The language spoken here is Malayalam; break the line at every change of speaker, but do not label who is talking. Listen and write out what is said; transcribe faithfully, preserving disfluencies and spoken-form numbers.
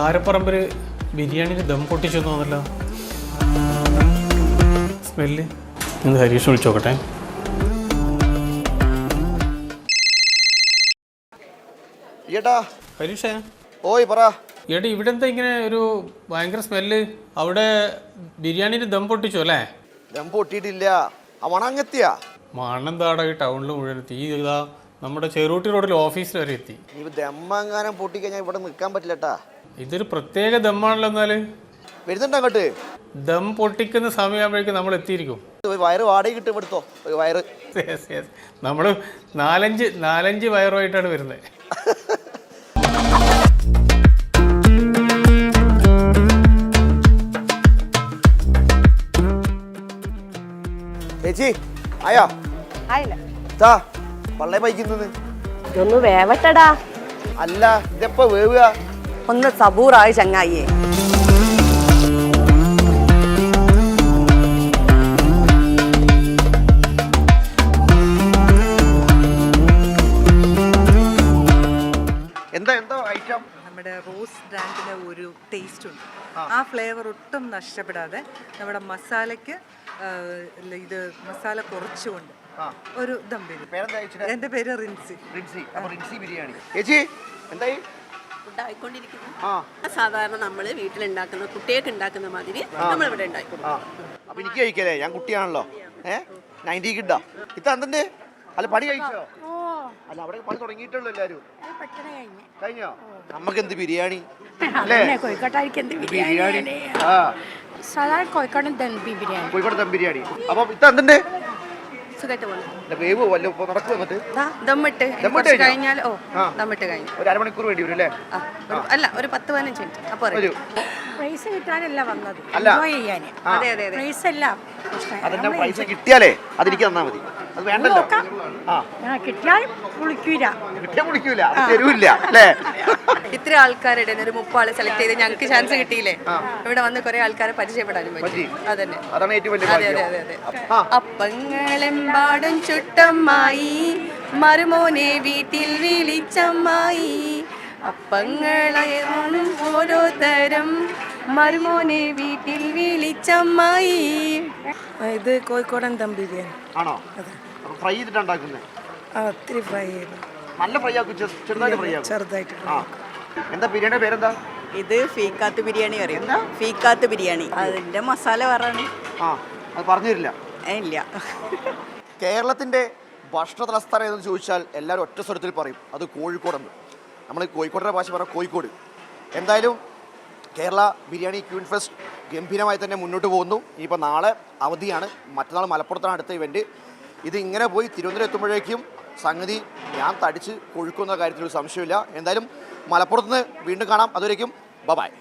കാരപ്പറമ്പിൽ ബിരിയാണിയിൽ ദം പൊട്ടിച്ചു തോന്നല്ലോ. സ്മെല്ല് ഒന്ന് ഹരീഷ് വിളിച്ചോക്കട്ടെ. ഹരീഷേ,
ഓയ് പറ.
ഏട്ടാ ഇവിടെ എന്താ ഇങ്ങനെ ഒരു ഭയങ്കര സ്മെല്ല്? അവിടെ ബിരിയാണിയിൽ ദം പൊട്ടിച്ചു അല്ലേ?
ദം പൊട്ടിയിട്ടില്ല, മണങ്ങെത്തിയാ.
മണെന്താടാ ഈ ടൗണിൽ മുഴുവൻ തീ. ഇതാ നമ്മുടെ ചെറുട്ടി റോഡിൽ ഓഫീസിൽ വരെ എത്തി.
നീ ദമ്മെങ്ങാനും പൊട്ടിക്കഴിഞ്ഞാൽ ഇവിടെ നിൽക്കാൻ പറ്റില്ലട്ടാ.
ഇതൊരു പ്രത്യേക ദമ്മാണല്ലോ. എന്നാല്
വരുന്നുണ്ടോ അങ്ങോട്ട്?
ദം പൊട്ടിക്കുന്ന സമയമാകുമ്പോഴേക്കും നമ്മൾ എത്തിയിരിക്കും.
വയറ് വാടക കിട്ടും ഇവിടുത്തോ വയറ്.
നമ്മള് നാലഞ്ച് നാലഞ്ച് വയറുമായിട്ടാണ് വരുന്നത്.
ചേച്ചി ആയാ?
ആയില്ല.
പള്ളേ പൈക്കുന്നത്
ഒന്ന് വേവട്ടടാ.
അല്ല ഇതെപ്പോ വേവുക?
ഒന്ന് സബൂറായി ചങ്ങായിയെ.
എന്താ എന്താ ഐറ്റം?
നമ്മുടെ റോസ് ബ്രാൻഡിന് ഒരു ടേസ്റ്റ് ഉണ്ട്. ആ ഫ്ലേവർ ഒട്ടും നഷ്ടപ്പെടാതെ നമ്മുടെ മസാലയ്ക്ക് ഇത് മസാല കുറച്ചുകൊണ്ട് ഒരു ദം ബിരിയാണി. എന്റെ പേര് റിൻസി.
റിൻസി ബിരിയാണി. ചേച്ചി എന്തായി?
സാധാരണ നമ്മള് വീട്ടിലുണ്ടാക്കുന്ന കുട്ടികൾക്ക് ഉണ്ടാക്കുന്ന മാതിരി നമ്മൾ ഇവിടെ ഉണ്ടാക്കും.
അപ്പൊ എനിക്ക് കഴിക്കല്ലേ, ഞാൻ കുട്ടിയാണല്ലോ. ഏഹ് നയൻറ്റി കിട്ടാ ഇത് എന്തിന്റെ? അല്ല പണി കഴിച്ചോ? അല്ല അവിടെ പണി തുടങ്ങിയിട്ടുള്ളൂ എല്ലാരും. കഴിഞ്ഞോ? നമുക്ക് എന്ത് ബിരിയാണി അല്ലേ? ബിരിയാണി. ആ
കോഴിക്കോടൻ ദം ബിരിയാണി.
കോഴിക്കോട് ദം ബിരിയാണി. അപ്പൊ ഇത് എന്തിന്റെ? വേവ് വല്ല നടക്കും. എന്നിട്ട്
ദമ്മിട്ട് കഴിഞ്ഞാൽ ഓ ദമ്മിട്ട് കഴിഞ്ഞു
ഒരു അരമണിക്കൂർ വേണ്ടി വരും അല്ലേ?
അല്ല ഒരു പത്ത് പതിനഞ്ച് മിനിറ്റ്. അപ്പൊ
പ്രൈസ് കിട്ടാനല്ല വന്നത്,
അല്ല
അതെ അതെ
പ്രൈസ് അല്ല.
അതിന്റെ പൈസ കിട്ടിയാലേ അതെനിക്ക് തന്നാ മതി. അത് വേണ്ടല്ലോ.
കിട്ടിയാൽ കുളിക്കൂല,
കിട്ടിയാൽ കുളിക്കൂല, തരൂല്ല അല്ലേ?
ഇത്ര ആൾക്കാരുടെ ഒരു മുപ്പാളെ സെലക്ട് ചെയ്ത് ഞങ്ങൾക്ക് ചാൻസ് കിട്ടിയില്ലേ? ഇവിടെ വന്ന് കുറെ ആൾക്കാരെ പരിചയപ്പെടാനും പറ്റി. അതന്നെ,
അതാണ് ഏറ്റവും വലിയ
അതെ അതെ അതെ അതെ. അപ്പങ്ങളെമ്പാടും ചുട്ടമ്മായി, മരുമോനെ വീട്ടിൽ വിളിച്ചമ്മായി. അപ്പങ്ങളെ ഓരോ തരം, മരുമോനെ വീട്ടിൽ വിളിച്ചമ്മായി.
ഇത് കോഴിക്കോടൻ ദം ബിരിയാണി
ആണോ? ഫ്രൈ ചെയ്തിട്ടാണ് ഉണ്ടാക്കുന്നത്?
ഒത്തിരി ഫ്രൈ ചെയ്തു.
നല്ല ഫ്രൈ ആക്കും, ചെറുതായിട്ട് ഫ്രൈ ആക്കും.
ചെറുതായിട്ട്.
എന്താ ബിരിയാണിയുടെ പേരെന്താ?
ഇത് ഫീക്കാത്ത് ബിരിയാണി അറിയാം. ഫീക്കാത്ത് ബിരിയാണി അതിന്റെ മസാല പറയാണ്.
ആ അത് പറഞ്ഞു തരില്ല.
ഇല്ല.
കേരളത്തിന്റെ ഭക്ഷണ തലസ്ഥാനം എന്ന് ചോദിച്ചാൽ എല്ലാവരും ഒറ്റ സ്വരത്തിൽ പറയും അത് കോഴിക്കോടെന്ന്. നമ്മൾ കോഴിക്കോടിൻ്റെ ഭാഷ പറയാം കോഴിക്കോട്. എന്തായാലും കേരള ബിരിയാണി ക്യൂൻ ഫെസ്റ്റ് ഗംഭീരമായി തന്നെ മുന്നോട്ട് പോകുന്നു. ഇനിയിപ്പോൾ നാളെ അവധിയാണ്, മറ്റന്നാൾ മലപ്പുറത്താണ് അടുത്ത ഇവൻറ്റ്. ഇത് ഇങ്ങനെ പോയി തിരുവനന്തപുരം എത്തുമ്പോഴേക്കും സംഗതി ഞാൻ തടിച്ച് കൊഴുക്കുന്ന കാര്യത്തിലൊരു സംശയമില്ല. എന്തായാലും മലപ്പുറത്ത് നിന്ന് വീണ്ടും കാണാം. അതുവരേക്കും ബൈ.